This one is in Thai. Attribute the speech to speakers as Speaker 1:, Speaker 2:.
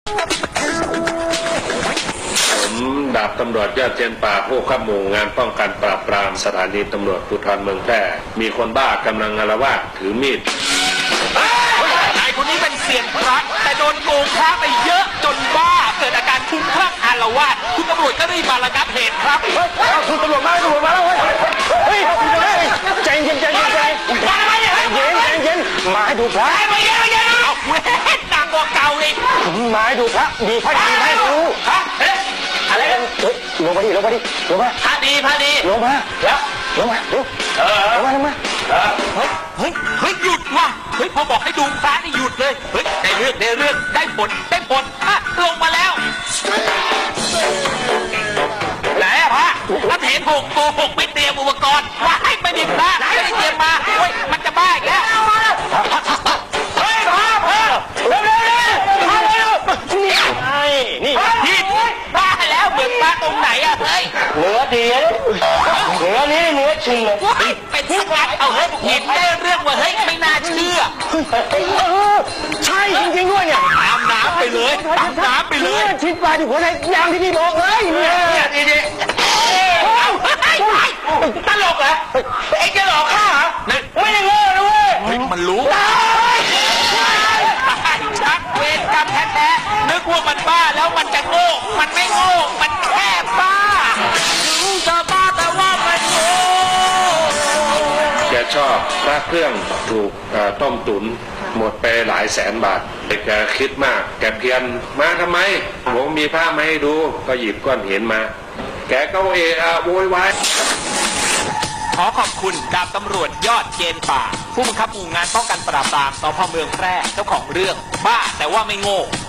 Speaker 1: ผมดาบตำรวจยอดเจนป่าผู้ขับหมู่งานป้องกันปราบปรามสถานีตำรวจภูธรเมืองแพร่มีคนบ้ากำลังอาละวาดถือมีด
Speaker 2: นายคนนี้เป็นเซียนพระแต่โดนโกงพระไปเยอะจนบ้าเกิดอาการคลุ้มคลั่งอาละวาดคุณตำรวจก็รีบมาระงับเหตุครับ
Speaker 3: คุณตำรวจมาแล้วเฮ้ยใจเย็นมาให้ดูพระ
Speaker 2: ไม่เย็นเอาเว้ยดังกว่าเก่าเลย
Speaker 3: มาให้ดูพระดีพระดีให้ดู
Speaker 2: ฮะอะไรกัน
Speaker 3: ลงมาดิลงมา
Speaker 2: พระดี
Speaker 3: ลงมาแล้วลงมาเร็วลงมา
Speaker 2: เฮ้ยหยุดว่ะเฮ้ยพอบอกให้ดูพระนี่หยุดเลยเฮ้ยได้เรื่องได้ผลลงมาแล้วไหนอะพระถ้าเถนโกหกไม่เตรียมอุปกรณ์ว่าให้ไม่มีพระไม่ได้เตรียมมาเฮ้ยมันจะบ้าอีกแล้วเฮ้ยพระเร็วนี่บ้าแล้วเหมือนบ้าตรงไหนอะเฮ้ย
Speaker 3: เนื้อดีเนื้อชิงเลย
Speaker 2: เป็นสักงัดเอาเฮ้ยเห็นได้เรื่องว่าเฮ้ยไม่น่าเชื่อ
Speaker 3: ใช่จริงๆด้วยเนี่ย
Speaker 2: ตามน้ำไปเลย
Speaker 3: ชิดปลาที่หัวใจยางที่พี่บอกเลยเนี่ย
Speaker 2: ดีตลกเหรอเอ็งจะหลอกข้าเหรอ
Speaker 3: ไม่ได้โง่นะเว้ย
Speaker 2: มันรู้ชักเวรกรรมแท้ๆนึกว่ามันบ้าแล้วมันจะโง่มันไม่โง่มันแค่บ้าถึงจะบ้าแต่ว่ามันโง่
Speaker 1: แกชอบพระเครื่องถูกต้มตุ๋นหมดไปหลายแสนบาทแกคิดมากแกเพียนมาทำไมผมมีผ้ามาให้ดูก็หยิบก้อนหินมาแกก็โวยวาย
Speaker 2: ขอขอบคุณดาบตำรวจยอดเกณฑ์ป่าผู้บังคับหมู่งานป้องกันปราบปรามสพ.เมืองแพร่เจ้าของเรื่องบ้าแต่ว่าไม่โง่